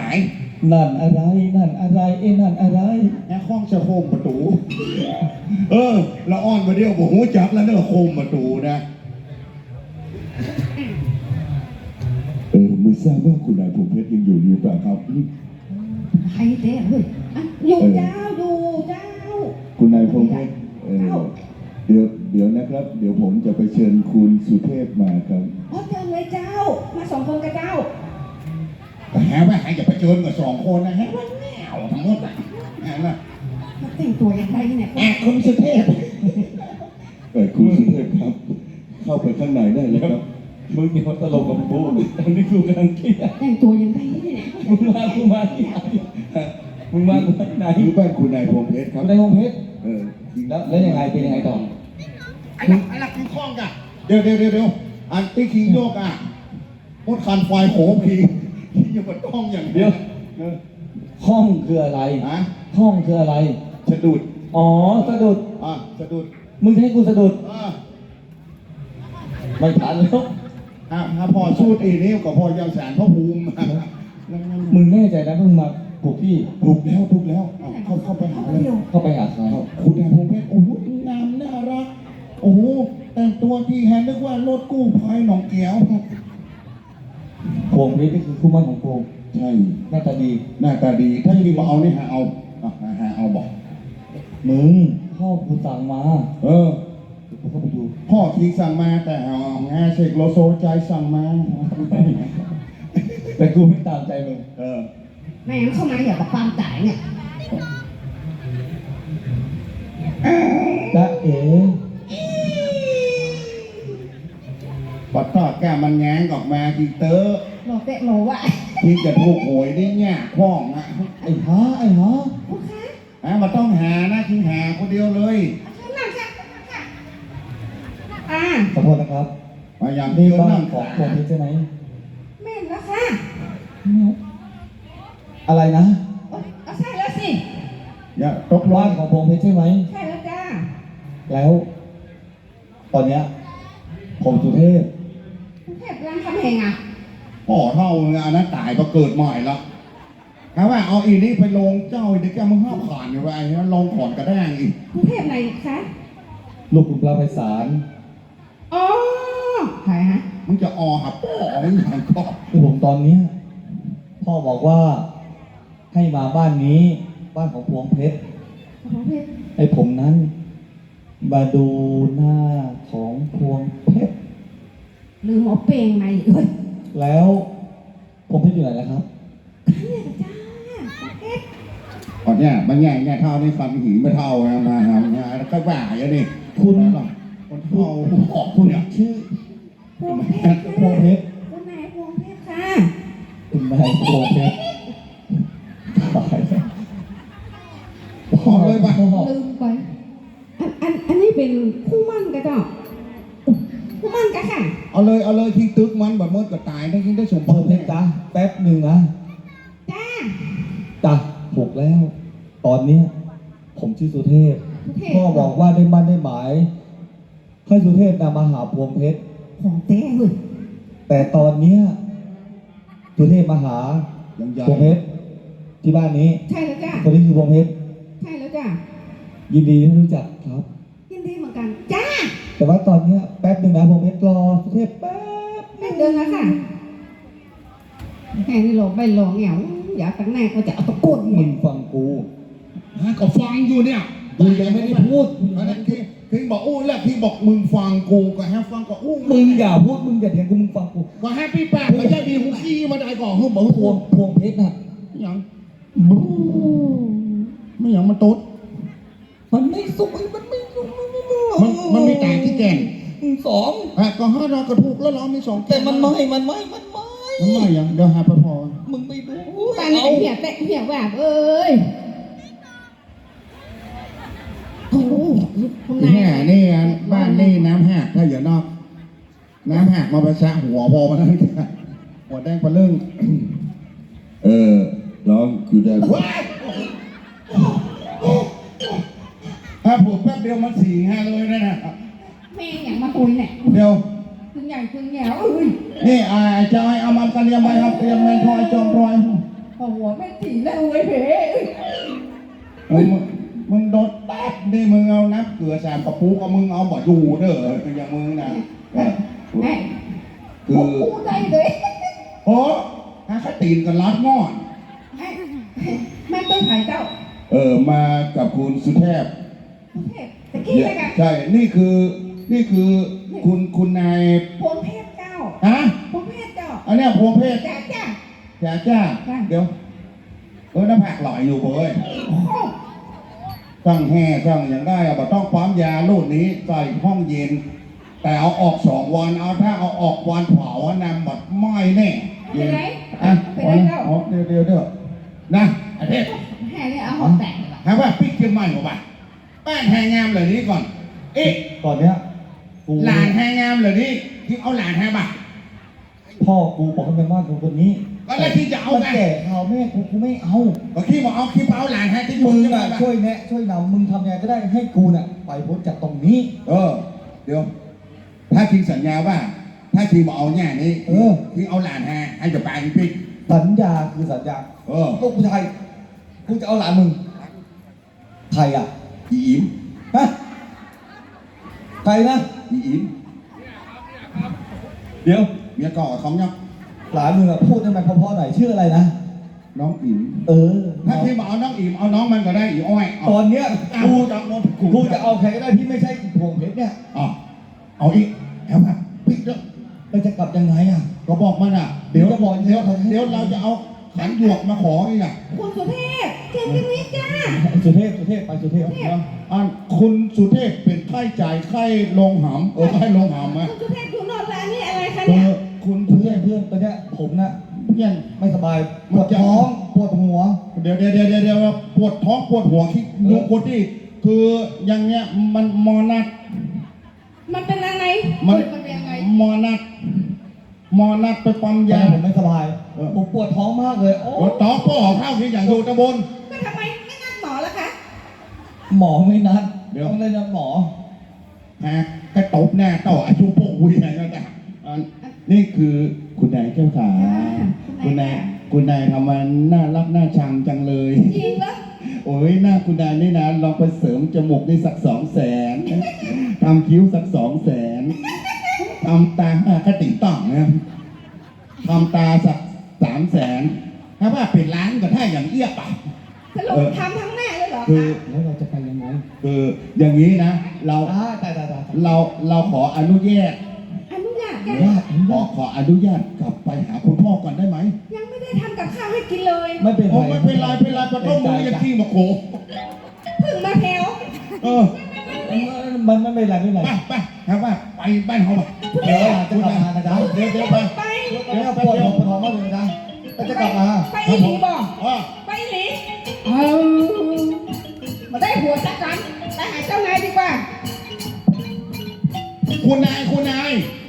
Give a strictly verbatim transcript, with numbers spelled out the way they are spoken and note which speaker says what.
Speaker 1: นั่นอะไรนั่นอะไรเอ้นั่นอะไร
Speaker 2: แค่ข้องจะโคมประตูเออละอ่อนมาเดียวบอกหูจับแล้วเนอะโคมประตูนะเออไม่ทราบว่าคุณนายพงเพชรยังอยู่หรือเปล่าครับ
Speaker 3: ใครเจ๊เฮ้ยอยู่เจ้าอยู่เจ้า
Speaker 2: คุณนายพงเพชรเออเดี๋ยวเดี๋ยวนะครับเดี๋ยวผมจะไปเชิญคุณสุเทพมาครับ
Speaker 3: อ๋อเชิญเลยเจ้ามาสองคนกับเจ้า
Speaker 2: แต่แฮะว่าหายจะไปเชิญกับสองคนนะฮะว่าแนวทั้งหมดอ่ะแฮะล่ะ
Speaker 3: แต่งตัวอย่างไรเนี่ย
Speaker 2: แอบคุณสุเทพเออคุณสุเทพครับเข้าไปข้างในได้เลยครับ
Speaker 1: มึงอย่ามาตลกกับกูตอนนี้กูกำลังเครียด
Speaker 3: แต่งตัวอย่างไรเนี่ย
Speaker 1: มึงมากูมาที่ไหนมึงมากูมาที่ไหน
Speaker 2: อยู่บ้านคุณนายพงเพชรครับ
Speaker 1: คุณนายพงเพชร
Speaker 2: เออ
Speaker 1: แล้วแล้วยังไงเป็นยังไงต่อ
Speaker 2: ไอ้หลักไอ้หลักคือคล้องกันเดี๋ยวเดี๋ยวเดี๋ยวเดี๋ยวอันที่คิงโยกอ่ะพดคันไฟโขพีที่จะมาต้องอย่าง
Speaker 1: เดียวห้องคืออะไร
Speaker 2: ฮะ
Speaker 1: ห้องคืออะไร
Speaker 2: สะดุด
Speaker 1: อ๋อสะดุด
Speaker 2: อ่ะสะดุด
Speaker 1: มึงให้กูสะดุด
Speaker 2: อ่ะ
Speaker 1: ไม่ทันแล้ว
Speaker 2: อ่ะถ้าพอสู้ตีนี้กับพอยังแสนพ่อภูมิ
Speaker 1: มึงแน่ใจนะมึงมาปลุกพี่
Speaker 2: ปลุกแล้วปลุกแล้วเข้าเข้าไปหาเลย
Speaker 1: เข้าไปหาใคร
Speaker 2: คุณนายพงเพชรโอ้โหงามน่ารักโอ้โหแต่งตัวที่แฮนนึกว่ารถกู้ภัยหนองแก้ว
Speaker 1: พงเพชรนี่คือคู่มั่นของพง
Speaker 2: ใช่
Speaker 1: หน้าตาดี
Speaker 2: หน้าตาดีถ้าที่มาเอานี่หาเอาหาเอาบอก
Speaker 1: มึงพ่อกูสั่งมา
Speaker 2: เออ
Speaker 1: ผมก็ไปดู
Speaker 2: พ่อทีสั่งมาแต่เอางาเช็คโลโซใจสั่งมา
Speaker 1: แต่กูไม่ตามใจมึง
Speaker 2: เออ
Speaker 3: แม่งเข้ามาอย่ากับความตายเนี่ย
Speaker 1: จ๊ะเอ๋
Speaker 2: ปัดทอดแก้มันแง้งออกมาทีเตอร์
Speaker 3: โลเตะโลวะ
Speaker 2: ที่จะถูกหวยได้เนี่ยคล้องอ่ะ
Speaker 1: ไอ้ฮะไอ้ฮะ
Speaker 3: โอเค
Speaker 2: อ่ะมันต้องหานะทิ้งหาคนเดียวเลย
Speaker 3: นั่งค่ะอ่า
Speaker 1: ขอโทษนะครับ
Speaker 2: มาอย่าง
Speaker 1: นี้บ้านของพงเพชรใช่ไหม
Speaker 3: แม่นแล้วค่ะ
Speaker 1: อะไรนะ
Speaker 3: เอาใช่แล้วสิ
Speaker 2: อย่าตก
Speaker 1: บ้านของพงเพชรใช่ไหม
Speaker 3: ใช่แล้วจ้า
Speaker 1: แล้วตอนเนี้ยผมสุเทพ
Speaker 3: สุเทพรังคำแหงอ่ะ
Speaker 2: พ่อเท่าอันนั้นตายมาเกิดใหม่แล้วครับว่าเอาอีนี่ไปลงเจ้าเด็กแกมึงห้าผ่านอยู่ไอ้เนี่ยลงขอนกระด้างอีก
Speaker 3: สุเทพไหนคะ
Speaker 1: ลูกคุณปลาไพศาล
Speaker 3: อ๋อใครฮะ
Speaker 2: มึงจะออหับพ่อมึงอย่างก็
Speaker 1: คือผมตอนเนี้ยพ่อบอกว่าให้มาบ้านนี้บ้านของพวงเพชร
Speaker 3: พวงเพชร
Speaker 1: ไอ้ผมนั้นมาดูหน้าของพวงเพชร
Speaker 3: ลืมเอาเปงไหมเอ้ย
Speaker 1: แล้วพวงเพชรอยู่ไหนแล้วครับ
Speaker 3: เนี่ยจ้าเพชร
Speaker 2: อ๋อเนี่ยมันแง่แง่เท่านี่ฟันหีไม่เท่านะมาทำงานแล้วก็บ่าอย่างนี้
Speaker 1: คุณ
Speaker 2: คนเท่าขอบคุณเนี่ยชื่อ
Speaker 3: พวงเพชร
Speaker 1: พวงเพชร
Speaker 3: คุณนายพวงเพชรค่ะ
Speaker 1: คุณนายพวงเพชรตายแล้ว
Speaker 2: พอเลยป่ะ
Speaker 3: ลืมไปอันอันอันนี้เป็นคู่มั่นกันจ้ะคู่มั่นกันค่ะ
Speaker 2: เอาเลยเอาเลยทิ้งตึกมันแบบมดก็ตายได้ทิ้งได้สมบูรณ์
Speaker 1: เลยจ้าแป๊บหนึ่งนะ
Speaker 3: จ้า
Speaker 1: จ้าถูกแล้วตอนนี้ผมชื่อสุเทพพ่อบอกว่าได้มั่นได้หมายให้สุเทพนำมาหาพวงเพชร
Speaker 3: ของเต้เลย
Speaker 1: แต่ตอนนี้สุเทพมาหาพวงเพชรที่บ้านนี้
Speaker 3: ใช่แล้วจ้า
Speaker 1: คนนี้คือพวงเพชร
Speaker 3: ใช่แล้วจ้า
Speaker 1: ยินดีที่รู้จักครับ
Speaker 3: ยินดีเหมือนกันจ้า
Speaker 1: แต่ว่าตอนนี้แป๊บหนึ่งนะพวงเพชรรอสุเทพแป๊บ
Speaker 3: แป๊บเดินแล้วค่ะแค่นี้หลงไปหลงเหงาอยากตั้งแน่ก็จะเอาตะกุด
Speaker 1: มึงฟังกู
Speaker 2: ฮะก็ฟังอยู่เนี่ย
Speaker 1: กูยังไม่ได้พูด
Speaker 2: นั่นที่ที่บอกอู้แล้วที่บอกมึงฟังกูก็แฮปฟังก็อู้
Speaker 1: มึงอย่าพูดมึงอย่าเถียงกูมึงฟังกู
Speaker 2: ก็แฮปปี้แป๊บก็จะมีหูขี้มาได้ก่อนหูบอก
Speaker 1: พวงพวงเพชรน่ะ
Speaker 2: ยังไม่ยังมันตุ๊ด
Speaker 1: มันไม่สุกมันไม่สุก
Speaker 2: มันมันมีแต่ที่แก่น
Speaker 1: สอง
Speaker 2: อ่ะก็ห้าเราก็ถูกแล้วเรามีสอง
Speaker 1: แต่มันไม่มันไม่มันไม่
Speaker 2: มันไม่ยังเดี๋ยวหาไปพอ
Speaker 1: มึงไปดู
Speaker 3: บ้านนี้เหี้ยแตะเหี้ยแหวกเอ้ยโอ้
Speaker 2: แห่นี่บ้านนี่น้ำหักถ้าอย่านอกน้ำหักมาประชะหัวพอมาแล้วหัวแดงปลาเรื่องเออร้องคือได้ถ้าผูกแป๊บเดียวมันสี่ห้าเลยนะนะ
Speaker 3: แม่อย่างมาคุยเนี่ย
Speaker 2: เดี๋ยว
Speaker 3: ถึงใหญ่ถึงแหวเอ้ย
Speaker 2: นี่ไอ้เจ้าไอ้เอามันกันยังไงครับเตรียมแมนทอยจอมรอย
Speaker 3: พอหัวไม่ถีแล้วเว้ยเพ
Speaker 2: เออมึงมึงโดนแป๊บนี่มึงเอาน้ำเกลือแสมกระปุกเอามึงเอาบ่อยู่เด้ออย่างมึงนะเออ
Speaker 3: แม่
Speaker 2: คือ
Speaker 3: พูดได้เลย
Speaker 2: โอ้ถ้าเขาตีนกันรัดงอน
Speaker 3: แม่แม่ต้องถ่ายเจ้า
Speaker 2: เออมากับคุณสุเทพ
Speaker 3: ประเทศตะกี้เลยกัน
Speaker 2: ใช่ นี่คือ นี่คือคุณคุณนาย
Speaker 3: พวงเพศเจ้า
Speaker 2: ฮะ
Speaker 3: พวงเพศเจ้า
Speaker 2: อันเนี้ยพวงเพศ
Speaker 3: จ้าจ้า
Speaker 2: จ้าจ้า
Speaker 3: จ้า
Speaker 2: เดี๋ยวเออน้ำผักหล่อยอยู่เว้ย
Speaker 3: โอ้
Speaker 2: ต้องแห่ต้องอย่างได้อะบ่ต้องปั๊มยาลูกนี้ใส่ห้องเย็น แต่เอาออกสองวัน เอาถ้าเอาออกวันเผาอะนำบัดไหม้แน่
Speaker 3: เป็นไร
Speaker 2: อ่ะ
Speaker 3: เป็นไรเจ้า
Speaker 2: อ๋อเดี๋ยวเดี๋ยวเดี๋ยวนะไอ้เทพ
Speaker 3: แห่เนี่ยเอาหัวแตกเลย
Speaker 2: ถามว่าปิ๊กเชียงใหม่กว่าแป้งแหงงามเลยนี้ก่อน เอ๊ะ
Speaker 1: ตอนเนี้ยกู
Speaker 2: หลานแหงงามเลยนี้ที่เอาหลานแหงบ่ะ
Speaker 1: พ่อกูบอกให้ไปมากกูคนนี้
Speaker 2: ก็แล้วที่จะเอาไง
Speaker 1: มันแก่เขาแม่กูกูไม่เอา
Speaker 2: ก็ที่บอกเอาคลิปเอาหลานแหงที่
Speaker 1: มึง
Speaker 2: เชียงใหม่
Speaker 1: น่ะ
Speaker 2: บ่ะ
Speaker 1: ช่วยแนะช่วยนำมึงทำยังไงก็ได้ให้กูน่ะไปพ้นจากตรงนี้
Speaker 2: เออ เดี๋ยว ถ้าคิงสัญญาว่า ถ้าคิงบอกเอาแง่นี้
Speaker 1: เออ
Speaker 2: คิงเอาหลานแหงให้จะไปปิ๊ก
Speaker 1: สัญญาคือสัญญา
Speaker 2: เออ
Speaker 1: ลูกผู้ชายกูจะเอาหลานมึงใครอ่ะ
Speaker 2: อีอิม
Speaker 1: ฮะใครนะ
Speaker 2: อีอิม
Speaker 1: เดี๋ยว
Speaker 2: เมียก่อเขาเนี่ย
Speaker 1: หลานมึงอ่ะพูดให้มันเพราะๆหน่อยชื่ออะไรนะ
Speaker 2: น้องอิม
Speaker 1: เออ
Speaker 2: ถ้าคิงบอกเอาน้องอิมเอาน้องมันก็ได้อีอ้อยเอา
Speaker 1: ตอนเนี้ย
Speaker 2: กู
Speaker 1: กู
Speaker 2: จะ
Speaker 1: จะ
Speaker 2: เอา
Speaker 1: กูจะเอาใครก็ได้ที่ไม่ใช่พวงเพชรเนี่ย
Speaker 2: เอาเอาอีกเอามาปิ๊กเด้อ
Speaker 1: เราจะกลับยังไงอ่ะ
Speaker 2: ก็บอกมันอ่ะ เดี๋ยว
Speaker 1: จะบอก
Speaker 2: เดี๋ยว
Speaker 1: เขาให้
Speaker 2: เดี๋ยวเราจะเอาขันหยวกมาขออีกอ่ะ
Speaker 3: คุณสุเทพเก่งจังนี้จ้า
Speaker 1: สุเทพสุเทพไปสุเทพ
Speaker 2: เดี๋ยวอันคุณสุเทพเป็นไข้จ่ายไข้ลงหำเออไข้ลงหำอ่ะ
Speaker 3: คุณสุเทพอยู่นอนร้านนี่อะไรคะ
Speaker 1: คื
Speaker 3: เนี่
Speaker 1: อย คุณเพื่อนเพื่อนตอนเนี้ยผมน่ะ
Speaker 2: เพี้ยน
Speaker 1: ไม่สบายปวดท้องปวดหัว
Speaker 2: เดี๋ยวเดี๋ยวเดี๋ยวเดี๋ยวเดี๋ยวปวดท้องปวดหัวคิดลูกปวดที่คืออย่างเนี้ยมันมอนัด
Speaker 3: มันเป็นอะไร
Speaker 2: มัน
Speaker 3: มันเป็นยังไง
Speaker 2: มอนัดมอนัดไปปั๊ม
Speaker 1: ยาย
Speaker 2: า
Speaker 1: ผมไม่สบาย
Speaker 2: เออ
Speaker 1: ผมปวดท้องมากเลยโอ้
Speaker 2: ปวดท้องปวดหัวเข้าที่อย่างอยู่ตะบน
Speaker 3: ก็ทำไมไม่นัดหมอล่ะคะ
Speaker 1: หมอไม่นัด
Speaker 2: เดี๋ยว
Speaker 1: ต้องเลยนัดหมอ
Speaker 2: ฮะกระตบหน้าต่ออายุโป่งวุ้ยอะไรก็ได้อันนี่คือคุณนายเจ้าขา คุณนายคุณนายทำมันน่ารักน่าชังจังเลย
Speaker 3: จริงเหรอ
Speaker 2: โอ้ยหน้าคุณนายนี่นะลองไปเสริมจมูกได้สักสองแสนทำคิ้วสักสองแสนทำตากระติ่งต่องนะทำตาสักสามแสนถ้าว่าเป็นล้านก็ถ้าอย่างเอี้ยป่ะ
Speaker 3: สรุปทำทั้งแม่เลยเหรอ
Speaker 2: คือ
Speaker 3: คะ
Speaker 1: แล้วเราจะไปยังไง
Speaker 2: คืออย่างนี้นะ เรา
Speaker 1: อ่าตายตายตาย
Speaker 2: เราเราขออนุญาต
Speaker 3: อนุญาตจ้ะ
Speaker 1: ญาติ
Speaker 2: ขอขออนุญาตกลับไปหาคุณพ่อก่อนได้ไหม
Speaker 3: ยังไม่ได้ทำกับข้าวให้กินเลย
Speaker 1: ไม่เป็น
Speaker 2: โอ้
Speaker 1: ไร
Speaker 2: ไม่เป็นไรเป็นไรปะต้มมือยังขี้มาโข
Speaker 3: เพึ่งมาแถว
Speaker 2: เออ
Speaker 1: มันไม่เป็นไรไม่เป็น
Speaker 2: ไป
Speaker 1: ไร
Speaker 2: ไปครับว่าไปบ้านเขาป่ะ
Speaker 1: เดี๋ยวหลานจะกลับมานะจ๊ะ
Speaker 2: เดี๋ยวเดี๋ยวไป
Speaker 3: ไป
Speaker 1: เดี๋ยวปวดหัวปวดท้องมากเลยนะก็จะกลับมา
Speaker 3: ไปอีหลีบอก
Speaker 2: อ๋อ
Speaker 3: ไปอีหลีเอามาได้หัวสักกันไปหาเจ้านายดีกว่า
Speaker 2: คุณนายคุณนาย